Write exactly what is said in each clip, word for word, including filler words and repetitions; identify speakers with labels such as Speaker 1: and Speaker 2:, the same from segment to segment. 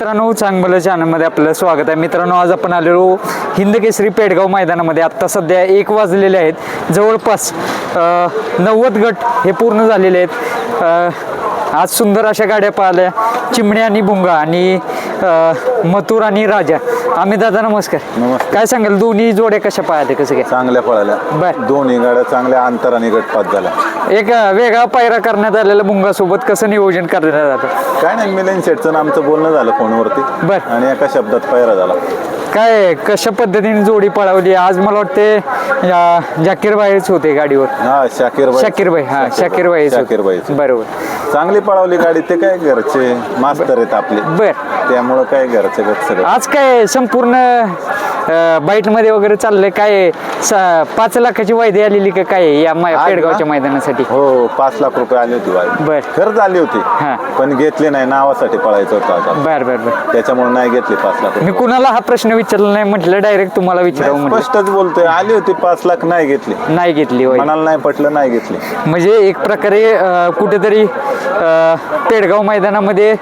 Speaker 1: मित्रांनो, चांगलं चॅनलमध्ये आपलं स्वागत आहे. मित्रांनो, आज आपण आलेलो हिंद केसरी पेडगाव मैदानामध्ये. आत्ता सध्या एक वाजलेले आहेत. जवळपास नव्वद गट हे पूर्ण झालेले आहेत. आज सुंदर अशा गाड्या पाहिल्या, चिमण्या आणि भुंगा आणि मथुर आणि राजा. आम्ही दादा नमस्कार.
Speaker 2: नमस्कार.
Speaker 1: काय सांगाल, दोन्ही जोड्या कशा पाहते, कसं काय?
Speaker 2: चांगल्या पळाल्या.
Speaker 1: बर.
Speaker 2: दोन्ही गाड्या चांगल्या अंतराने गटपात झाला.
Speaker 1: एक वेगळा पायरा करण्यात आलेला भुंगा सोबत कसं नियोजन करण्यात जातं?
Speaker 2: काय नाही, मिलिंद शेठचं आमचं बोलणं झालं फोनवरती.
Speaker 1: बर.
Speaker 2: आणि एका शब्दात पायरा झाला.
Speaker 1: काय कशा पद्धतीने जोडी पळवली आज? मला वाटते जाकीर भाईच होते गाडीवर.
Speaker 2: हा, शाकीर भाई.
Speaker 1: शाकीर भाई हा शाकीर भाई
Speaker 2: शाकीर भाई
Speaker 1: बरोबर.
Speaker 2: चांगली पळवली गाडी. ते काय घरचे मास्तर आहेत आपले.
Speaker 1: बर.
Speaker 2: त्यामुळं काय घरचे गट सगळं.
Speaker 1: आज काय संपूर्ण बाईट मध्ये वगैरे चाललंय काय? पाच लाखाची वायदे आलेली का काय या पेडगावच्या मैदानासाठी?
Speaker 2: हो, पाच लाख रुपये आली होती वायदे.
Speaker 1: बर.
Speaker 2: खरंच आली होती,
Speaker 1: हा.
Speaker 2: पण घेतली नाही. नावासाठी पळायचं होतं आता.
Speaker 1: बर बर बर.
Speaker 2: त्याच्यामुळे नाही घेतली पाच लाख
Speaker 1: मी
Speaker 2: रुपये.
Speaker 1: कुणाला हा प्रश्न विचारला नाही, म्हटलं डायरेक्ट तुम्हाला विचारावं म्हटलं.
Speaker 2: स्पष्टच बोलतोय, आली होती पाच लाख, नाही घेतली.
Speaker 1: नाही घेतली वायदे.
Speaker 2: मनाला नाही पटलं, नाही घेतली.
Speaker 1: म्हणजे एक प्रकारे कुठेतरी पेडगाव मैदानामध्ये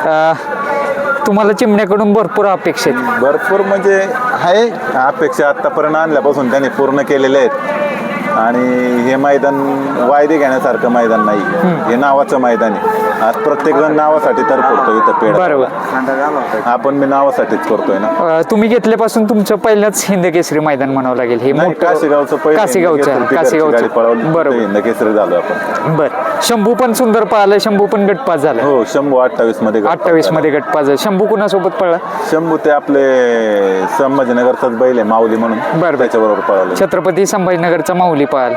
Speaker 1: तुम्हाला चिमण्याकडून भरपूर अपेक्षा आहेत.
Speaker 2: भरपूर म्हणजे आहे अपेक्षा. आतापर्यंत आणल्यापासून त्यांनी पूर्ण केलेले आहेत. आणि हे मैदान वायदे घेण्यासारखं मैदान नाही. हे नावाचं मैदान आहे. आज प्रत्येक जण नावासाठी तर करतो इथं पेड.
Speaker 1: बरोबर.
Speaker 2: आपण मी नावासाठीच करतोय ना.
Speaker 1: तुम्ही घेतल्यापासून तुमचं पहिलंच हिंद केसरी मैदान म्हणावं लागेल. हे
Speaker 2: नाही, काशीगावचं पहिलं
Speaker 1: काशीगावचं काशीगावचं बरोबर.
Speaker 2: हिंद केसरी झालो आपण.
Speaker 1: बर. शंभू पण सुंदर पळाला. शंभू पण गटपास झाला.
Speaker 2: हो, शंभू अठ्ठावीस मध्ये
Speaker 1: अठ्ठावीस मध्ये गटपास झाला. शंभू कुणासोबत पळला?
Speaker 2: शंभू ते आपले संभाजीनगरचाच बैल आहे माऊली म्हणून.
Speaker 1: बरं.
Speaker 2: त्याच्याबरोबर पळाले.
Speaker 1: छत्रपती संभाजीनगरचा माऊली पळाल.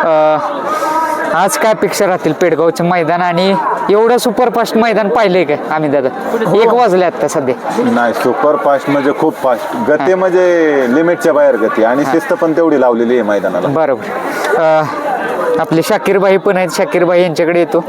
Speaker 1: आज काय अपेक्षा राहतील पेडगावचं मैदान? आणि एवढं सुपरफास्ट मैदान पाहिलंय काय आम्ही दादा? एक वाजले आता सध्या.
Speaker 2: नाही, सुपर फास्ट म्हणजे खूप फास्ट गती, म्हणजे लिमिटच्या बाहेर गती. आणि शिस्त पण तेवढी लावलेली आहे मैदानाला.
Speaker 1: बरोबर. आपले शाकीरबाई पण आहेत. शाकीरबाई यांच्याकडे येतो.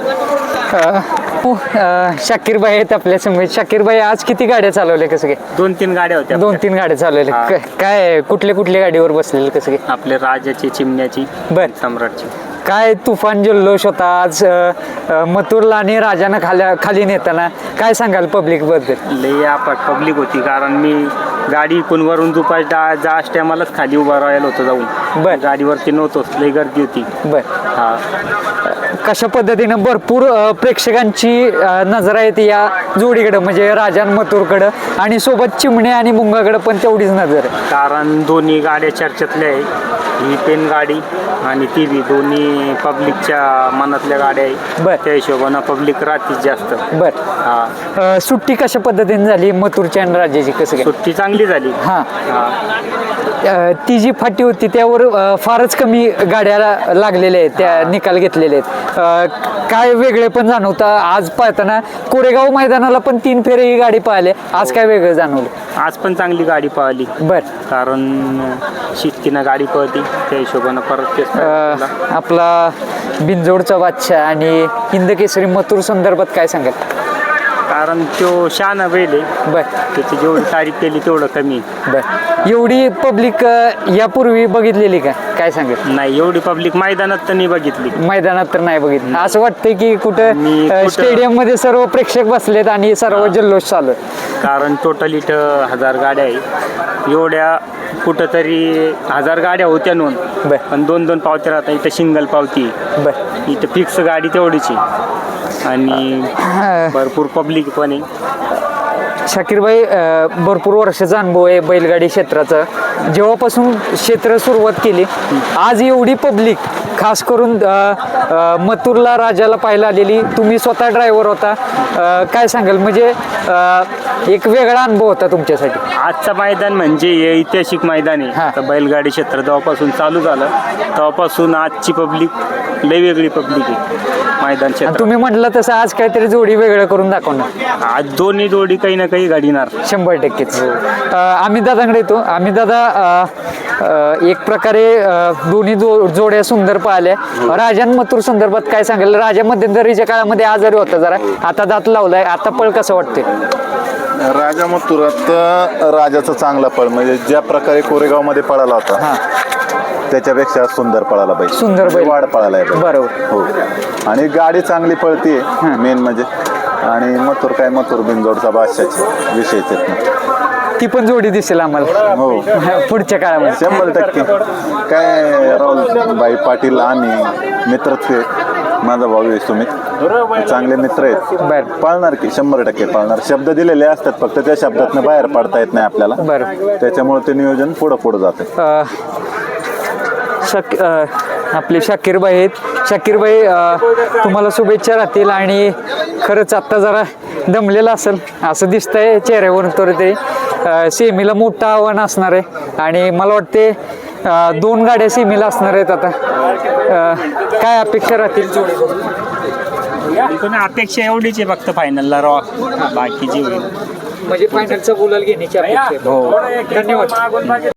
Speaker 1: शाकीरबाई आहेत आपल्या समोर. शाकीरबाई, आज किती गाड्या चालवल्या, कसं काय?
Speaker 3: दोन तीन गाड्या होत्या.
Speaker 1: दोन तीन गाड्या चालवल्या. काय कुठल्या कुठल्या गाडीवर बसलेले, कसं काय?
Speaker 3: आपले राजाची, चिमण्याची,
Speaker 1: बर.
Speaker 3: सम्राटची.
Speaker 1: काय तुफान जल्लोष होता आज मथुरला आणि राजानं खाल्या खाली नेताना. काय सांगाल पब्लिक बद्दल?
Speaker 3: लई आपट पब्लिक होती, कारण मी गाडी कोणवरून दुपार जा टायमालाच खाली उभा राहिलो होतो जाऊन.
Speaker 1: बर.
Speaker 3: गाडीवरती नव्हतोच, लई गर्दी होती.
Speaker 1: बर.
Speaker 3: हा.
Speaker 1: कशा पद्धतीनं भरपूर प्रेक्षकांची नजर आहे या जोडीकडं, म्हणजे राजान मथुरकडं, आणि सोबत चिमणे आणि मुंगाकडं पण तेवढीच नजर आहे.
Speaker 3: कारण दोन्ही गाड्या चर्चेतल्या आहे. ही पेन गाडी आणि ती बी दोन्ही पब्लिकच्या मनातल्या गाड्या आहे.
Speaker 1: बर.
Speaker 3: त्या हिशोबानं पब्लिक राहतीच जास्त.
Speaker 1: बर.
Speaker 3: हा.
Speaker 1: सुट्टी कशा पद्धतीने झाली मथुरच्या आणि राजाची, कसं काय?
Speaker 3: सुट्टी चांगली झाली.
Speaker 1: हा.
Speaker 3: हा.
Speaker 1: ती जी फाटी होती त्यावर फारच कमी गाड्या लागलेल्या आहेत, त्या निकाल घेतलेले आहेत. काय वेगळे पण जाणवतं आज पाहताना? कोरेगाव मैदानाला पण तीन फेरे ही गाडी पाहिली. आज काय वेगळं जाणवलं?
Speaker 3: आज पण चांगली गाडी पळाली.
Speaker 1: बर.
Speaker 3: कारण शिस्तीनं गाडी पळती, त्या हिशोबानं परत तेच
Speaker 1: अं, आपला बिंजोडचा बादशाह आणि हिंद केसरी मथुर संदर्भात काय सांगाल?
Speaker 3: कारण तो शान बैल आहे.
Speaker 1: बर.
Speaker 3: त्याची जेवढी तारीफ केली तेवढं कमी.
Speaker 1: बर. एवढी पब्लिक यापूर्वी बघितलेली का, काय सांगेल?
Speaker 3: नाही, एवढी पब्लिक मैदानात तर नाही बघितली.
Speaker 1: मैदानात तर नाही बघितलं. असं वाटतंय की कुठं
Speaker 3: मी कुठं-
Speaker 1: स्टेडियम मध्ये सर्व प्रेक्षक बसलेत आणि सर्व जल्लोष चालू आहे.
Speaker 3: कारण टोटल इथं हजार गाड्या आहे. एवढ्या कुठंतरी हजार गाड्या होत्या नोंद,
Speaker 1: बर.
Speaker 3: पण दोन दोन पावत्या राहतात. इथं सिंगल पावती,
Speaker 1: बर.
Speaker 3: इथं फिक्स गाडी तेवढीची आणि भरपूर पब्लिक पण आहे.
Speaker 1: शाकीरबाई, भरपूर वर्षाचा अनुभव आहे बैलगाडी क्षेत्राचा. जेव्हापासून क्षेत्र सुरुवात केली, आज एवढी पब्लिक, खास करून मथुरला राजाला पाहायला आलेली. तुम्ही स्वतः ड्रायव्हर होता, काय सांगाल? म्हणजे एक वेगळा अनुभव होता तुमच्यासाठी.
Speaker 3: आजचं मैदान म्हणजे हे ऐतिहासिक मैदान
Speaker 1: हा.
Speaker 3: आहे. तर बैलगाडी क्षेत्र जेव्हापासून चालू झालं तेव्हापासून आजची पब्लिक लई वेगळी पब्लिक आहे मैदान क्षेत्र.
Speaker 1: तुम्ही म्हटलं तसं आज काहीतरी जोडी वेगळं करून दाखवणार.
Speaker 3: आज दोन्ही जोडी काही ना काही गाडीणार.
Speaker 1: शंभर टक्केच. आम्ही दादाकडे येतो. आम्ही दादा, एक प्रकारे दोन्ही जो जोड्या सुंदर पाहिल्या. राजान मथुर संदर्भात काय सांगाल? राजा मध्यंतरीच्या काळामध्ये आजारी होता जरा, आता दात लावलाय. आता पळ कसं वाटते?
Speaker 2: राजा मथुरात राजाचा चांगला पळ, म्हणजे ज्या प्रकारे कोरेगाव मध्ये पळाला होता
Speaker 1: हा.
Speaker 2: त्याच्यापेक्षा सुंदर पळाला बैल.
Speaker 1: सुंदर बैल.
Speaker 2: वाढ पळाला आहे.
Speaker 1: बरोबर.
Speaker 2: हो. आणि गाडी चांगली पळतीये मेन म्हणजे. आणि मथुर काय मथुर बिनजोडचा बादशाचे विषयच आहेत ना.
Speaker 1: ती पण जोडी दिसेल आम्हाला
Speaker 2: हो
Speaker 1: पुढच्या काळामध्ये.
Speaker 2: शंभर टक्के काय राहुल बाई पाटील आम्ही मित्रच आहे. माझा भाऊ आहे सुमित, चांगले मित्र आहेत.
Speaker 1: बर
Speaker 2: पाळणार की शंभर टक्के पाळणार. शब्द दिलेले असतात, फक्त त्या शब्दातनं बाहेर पडता येत नाही आपल्याला.
Speaker 1: बरं.
Speaker 2: त्याच्यामुळे ते नियोजन पुढं पुढं जाते.
Speaker 1: अ, शक अ, आपले शाकीरबाई आहेत. शाकीरबाई अ, तुम्हाला शुभेच्छा राहतील आणि खरंच आत्ता जरा दमलेला असेल असं दिसतंय चेहऱ्यावरून. तर ते अ, सेमीला मोठं आव्हान असणार आहे आणि मला वाटते अ, दोन गाड्या सेमीला असणार आहेत आता. अ, काय अपेक्षा राहतील जोडी?
Speaker 3: पण अपेक्षा एवढीच आहे फक्त फायनलला रॉ, बाकीची होईल.
Speaker 1: म्हणजे फायनलचा गुलाल घेण्याची अपेक्षा आहे. धन्यवाद.